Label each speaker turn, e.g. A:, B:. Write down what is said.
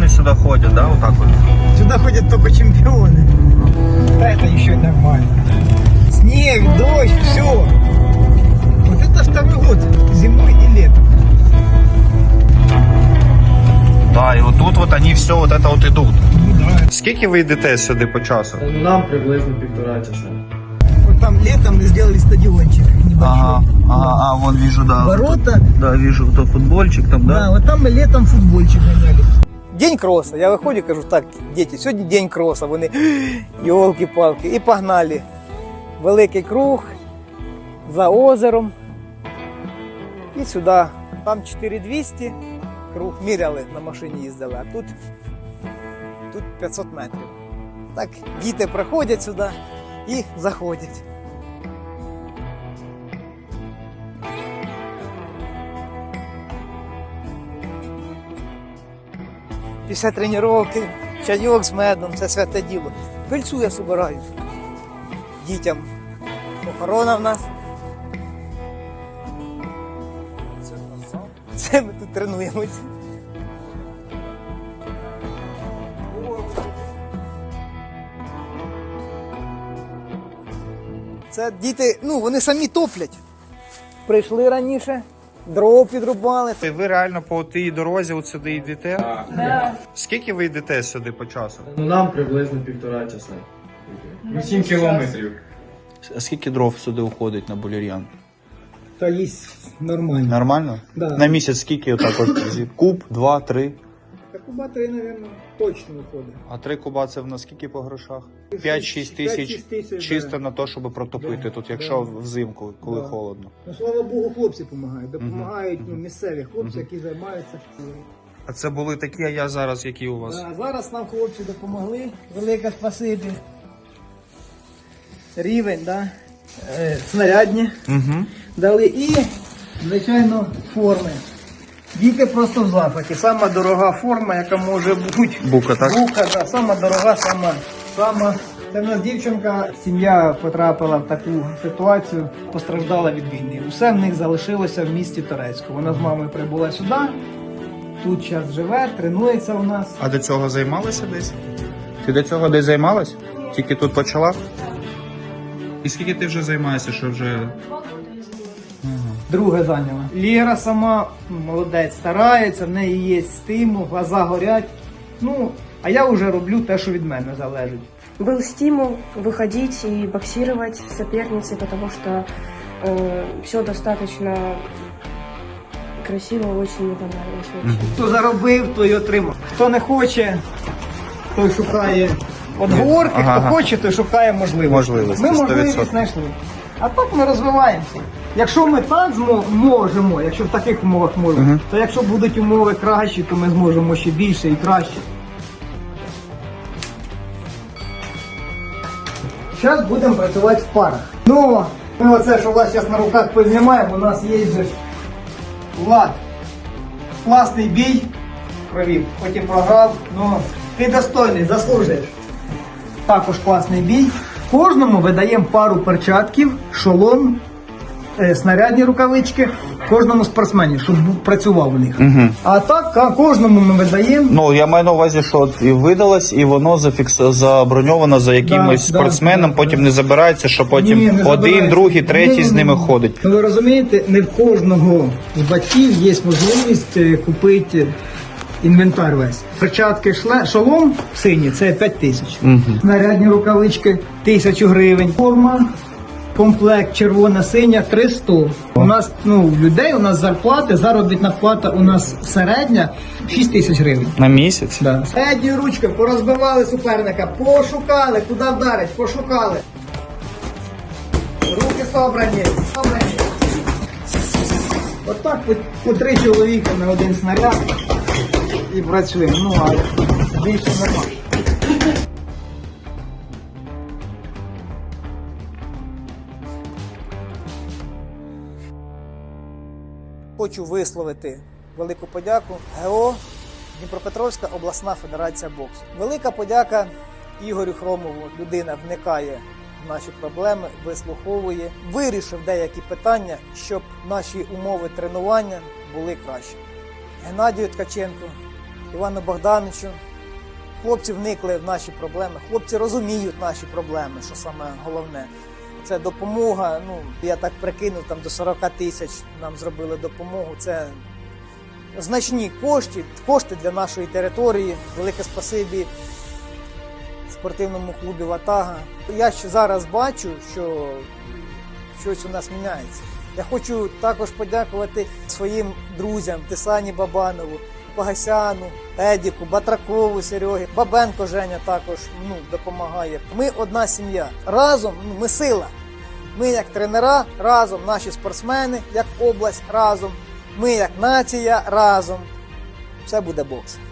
A: чемпионы сюда ходят, да, вот так вот?
B: Сюда ходят только чемпионы. Да, это еще нормально. Снег, дождь, все. Вот это второй год, зимой и летом.
A: Да, и вот тут вот они все вот это вот идут.
B: Ну да.
A: Скільки ви йдете сюди по часу?
C: Нам приблизно 1,5 часа.
B: Вот там летом сделали стадиончик небольшой.
A: Ага, вон вижу, да.
B: Ворота.
A: Да, вижу, то футбольчик там,
B: Да, вот там мы летом футбольчик гоняли. День кросса. Я виходжу, кажу, так, діти, сьогодні день кросса. Вони, йолки-палки, і погнали. Великий круг, за озером. І сюди. Там 4200, круг міряли, на машині їздили, а тут 500 метрів. Так, діти приходять сюди і заходять. Після тренування, чайок з медом, це святе діло. Пильцю я збираю дітям. Охорона в нас. Це ми тут тренуємось. Це діти, ну вони самі топлять. Прийшли раніше, дров підрубали.
A: Ви реально по тій дорозі от сюди йдете?
C: Да.
A: Скільки ви йдете сюди по часу?
C: Нам приблизно 1,5 часа. 7 кілометрів.
A: А скільки дров сюди уходить на Булір'ян?
B: Та є нормально.
A: Нормально?
B: Да.
A: На місяць скільки отак от? Куб, 2, 3?
B: Та куба 3, мабуть, точно виходить.
A: А 3 куба це в нас скільки по грошах? 5-6 тисяч
B: 5-6 тисяч,
A: чисто
B: да.
A: на те, щоб протопити тут, якщо взимку, коли
B: Да.
A: холодно.
B: Ну, слава Богу, хлопці допомагають. Допомагають ну, місцеві хлопці, які займаються.
A: А це були такі, а я зараз які у вас?
B: Да, зараз нам хлопці допомогли. Велике спасибі. Рівень, да? Снарядні
A: Угу.
B: дали і, звичайно, форми. Діти просто в захваті. Сама дорога форма, яка може бути.
A: Бука, так?
B: Бука, да, сама дорога, сама. Це в нас дівчинка, сім'я потрапила в таку ситуацію, постраждала від війни. Усе в них залишилося в місті Торецьку. Вона з мамою прибула сюди, тут зараз живе, тренується у нас.
A: А до цього займалася десь? Ти до цього десь займалась? Тільки тут почала? І скільки ти вже займаєшся, що вже...
B: Друге зайняла. Лєра сама молодець, старається, в неї є стимул, глаза горять. Ну, а я вже роблю те, що від мене залежить.
D: Был стимул выходить и боксировать с соперницей, потому что все достаточно красиво, очень мне понравилось. Очень.
B: Хто заробив, той отримав. Хто не хоче, той шукає отговорки,
A: Ага.
B: хто хоче, той шукає можливості.
A: Можливості,
B: Ми
A: 100%.
B: можливість знайшли. А так ми розвиваємося. Якщо ми так можемо, якщо в таких умовах можемо, то якщо будуть умови кращі, то ми зможемо ще більше і краще. Зараз будемо працювати в парах. Ну, ми оце, що у вас зараз на руках познімаємо, у нас є же Влад. Класний бій провів, потім програв, ну ти достойний, заслужуєш. Також класний бій. Кожному видаємо пару перчатків, шолом, снарядні рукавички, кожному спортсмену, щоб працював у них. А так кожному ми видаємо.
A: Ну, я маю на увазі, що от і видалось, і воно заброньовано за якимось
B: Да,
A: спортсменом,
B: да,
A: потім
B: да.
A: не забирається, що потім
B: Ні, не
A: один,
B: забирається.
A: другий, третій з ними ходить.
B: Ну, ви розумієте, не в кожного з батьків є можливість купити інвентар весь. Перчатки, шолом синій, це 5 тисяч. Снарядні рукавички 1000 гривень. Форма, комплект червона-синя 300. У нас, ну, людей, у нас зарплати, заробітна плата у нас середня 6 тисяч гривень.
A: На місяць?
B: Да. Середньою ручкою порозбивали суперника, пошукали, куди вдарить, пошукали. Руки собрані. Отак по 3 чоловіка на один снаряд і працюємо. Ну, а більше немає. Хочу висловити велику подяку ГО Дніпропетровська обласна федерація боксу. Велика подяка Ігорю Хромову. Людина вникає в наші проблеми, вислуховує, вирішив деякі питання, щоб наші умови тренування були кращі. Геннадію Ткаченку Івану Богдановичу. Хлопці вникли в наші проблеми, хлопці розуміють наші проблеми, що саме головне. Це допомога, я так прикинув, там до 40 тисяч нам зробили допомогу. Це значні кошти для нашої території. Велике спасибі спортивному клубі «Ватага». Я ще зараз бачу, що щось у нас міняється. Я хочу також подякувати своїм друзям Тисані Бабанову, Погасяну, Едіку, Батракову, Серегі, Бабенко Женя також допомагає. Ми одна сім'я. Разом ми сила. Ми як тренера разом, наші спортсмени як область разом, ми як нація разом. Все буде бокс.